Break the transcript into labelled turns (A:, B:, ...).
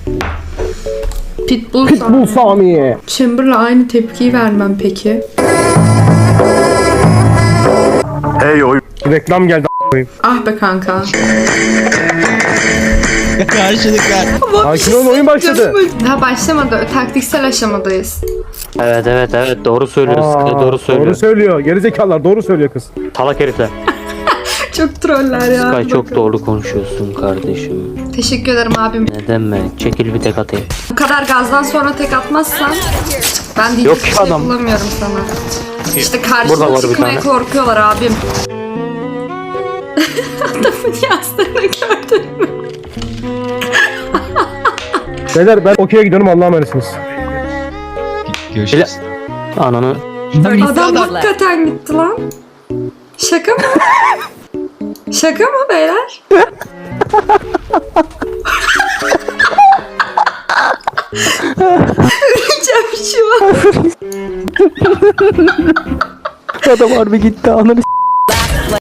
A: Pitbull Sami.
B: Chamber'la aynı tepkiyi vermem peki.
C: Hey oy.
A: Reklam geldi a**ayım.
B: Ah be kanka.
D: Karşılıklar.
A: Sakin ol, oyun başladı.
B: Daha başlamadı. Taktiksel aşamadayız.
E: Evet doğru söylüyoruz. Doğru söylüyor.
A: Doğru söylüyor. Gerizekalılar doğru söylüyor kız.
E: Salak herifler.
B: Çok troller ya.
E: Sky çok
B: Bakın.
E: doğru konuşuyorsun kardeşim.
B: Teşekkür ederim abim.
E: Ne demek? Çekil bir tek atayım.
B: Bu kadar gazdan sonra tek atmazsan ben diyecek
E: Yok
B: bir
E: ki
B: şey
E: adam.
B: bulamıyorum sana. İşte
E: Burada
B: karşıma
E: var bir
B: çıkmaya
E: tane.
B: korkuyorlar abim. Adamın yazdığını gördün mü?
A: Beyler ben okey'e gidiyorum, Allah'a emanetsiniz.
D: Görüşürüz.
E: Ananı.
B: Adam hakikaten gitti lan. Şaka mı? Şaka mı beyler? Öleceğim şu an.
E: Adam harbi gitti ananı